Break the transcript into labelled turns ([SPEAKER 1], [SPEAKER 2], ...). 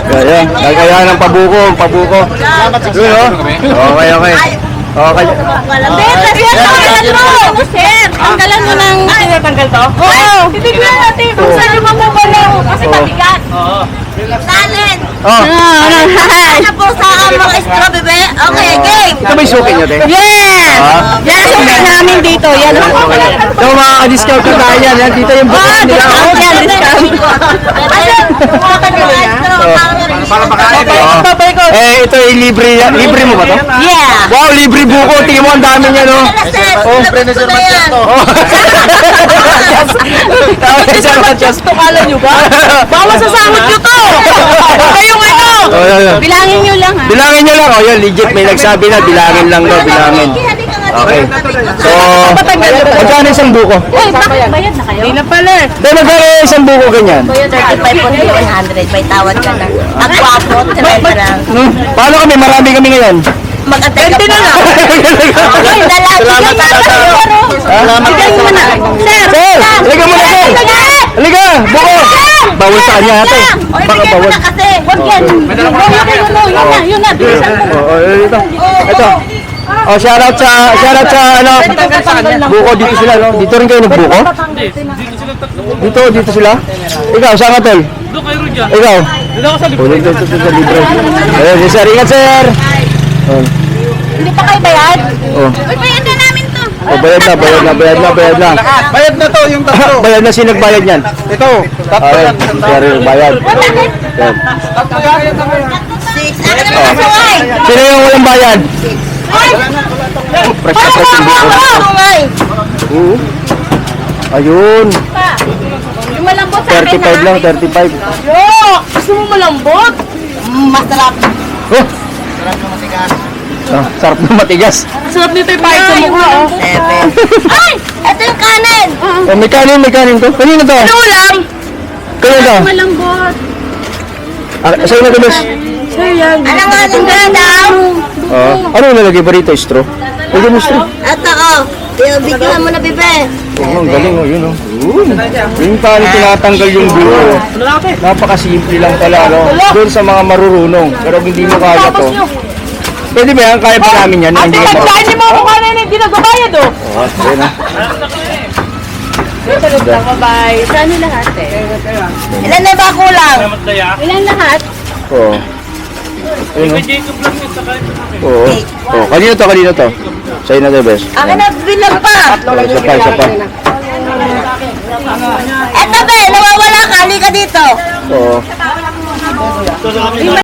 [SPEAKER 1] Ayan, gagaya ng pabuko. Yun, oh. Okay. Okay.
[SPEAKER 2] Tanggalan mo! Sir, tanggalan mo ng...
[SPEAKER 3] Tinatanggal to?
[SPEAKER 2] Oo! Titignan natin kung saan yung mamumulaw. Kasi mabigat. Talent! Ano po sa mga straw, bebe? Okay, game!
[SPEAKER 1] Ito ba yung suki nyo, te?
[SPEAKER 2] Yeah! Yan ang suki namin dito. Yan ang suki.
[SPEAKER 1] Ito, makaka-discount ko tayo yan. Yan, dito yung buko nila.
[SPEAKER 2] Discount yan, discount.
[SPEAKER 3] Para makain
[SPEAKER 1] Ito yung libre. Libre mo ba to?
[SPEAKER 2] Yeah!
[SPEAKER 1] Wow, libre buko. Tingin mo, ang dami niya, no?
[SPEAKER 2] Oh,
[SPEAKER 3] Sir Manchester.
[SPEAKER 1] Sir Manchester.
[SPEAKER 2] Tukala nyo ba? Baka masasahod nyo to! Kayong ano? Bilangin nyo lang ha.
[SPEAKER 1] Bilangin nyo lang. Oh, yun, legit. May nagsabi na, bilangin lang daw, bilangin. Okay. So, magkano isang buko?
[SPEAKER 2] Uy, bakit bayad na kayo? Hindi na pala.
[SPEAKER 1] Dahil magkano isang buko ganyan?
[SPEAKER 2] 35 po 100. May tawad ka na. Ang wapo, try ka lang.
[SPEAKER 1] Paano kami? Marami kami ngayon.
[SPEAKER 2] Mag-antay ka pa. Ay,
[SPEAKER 3] Salamat sa tayo.
[SPEAKER 1] Salamat. Sir, halika muna, sir. Halika, buko. Bawal sa kanya, ate. Baka bawal.
[SPEAKER 2] Huwag yan. Yun na. Bilisan mo.
[SPEAKER 1] Ito. Oh, shoutout sa ano. Buko dito sila, no? Dito rin kayo nagbuko? Dito sila? Ikaw, saan ka, tol?
[SPEAKER 3] Doon kayo rin dyan.
[SPEAKER 1] Ikaw? Dito sa libre. Ayun, sir, ingat, sir.
[SPEAKER 2] Hindi pa kayo bayad?
[SPEAKER 1] Oh.
[SPEAKER 2] Uy, bayad na namin to.
[SPEAKER 1] Oh, bayad na.
[SPEAKER 3] Bayad na to yung tatlo.
[SPEAKER 1] Bayad na, sino nagbayad yan?
[SPEAKER 3] Ito. Tatlo
[SPEAKER 1] Okay,
[SPEAKER 3] yan.
[SPEAKER 1] sir, yung bayad. Yan. Sino yung walang bayad? Fresh na fresh yung buko. Oo. Ayun.
[SPEAKER 2] Yung malambot sa akin
[SPEAKER 1] 35 lang, 35.
[SPEAKER 2] Yo! Gusto mo malambot? Masarap.
[SPEAKER 1] Oh! Sarap na matigas.
[SPEAKER 2] Sarap nito yung pahit sa mukha, oh. Ay! Ito yung kanin!
[SPEAKER 1] Oh, may kanin to. Kanino to?
[SPEAKER 2] Ano ulam?
[SPEAKER 1] Kanino to?
[SPEAKER 2] Malambot.
[SPEAKER 1] Sa'yo na gulis.
[SPEAKER 2] Ano nga itong daw?
[SPEAKER 1] Ano yung nalagay ba rito? Straw? Lagay mo straw.
[SPEAKER 2] Ito, oh. Bigyan mo na, bebe.
[SPEAKER 1] Oh, ang galing, oh, yun, oh. Yung paano tinatanggal yung buko. Napakasimple lang pala, no? Doon sa mga marurunong. Pero hindi mo kaya to. Pwede ba yan? Kaya pa namin yan? Hindi ka ba?
[SPEAKER 2] Hindi mo ako kanin, hindi nagbabayad, oh.
[SPEAKER 1] Oh, yun, ah.
[SPEAKER 2] Bye. Saan yung lahat, eh? Ilan na ba kulang? Ilan lahat?
[SPEAKER 1] Oo. Ayun, oh. Oo. Oh, kanino to? Sa'yo na to, bes.
[SPEAKER 2] Akin na, bilang pa.
[SPEAKER 1] Isa pa.
[SPEAKER 2] Eto, be, nawawala ka. Halika dito.
[SPEAKER 1] Oo.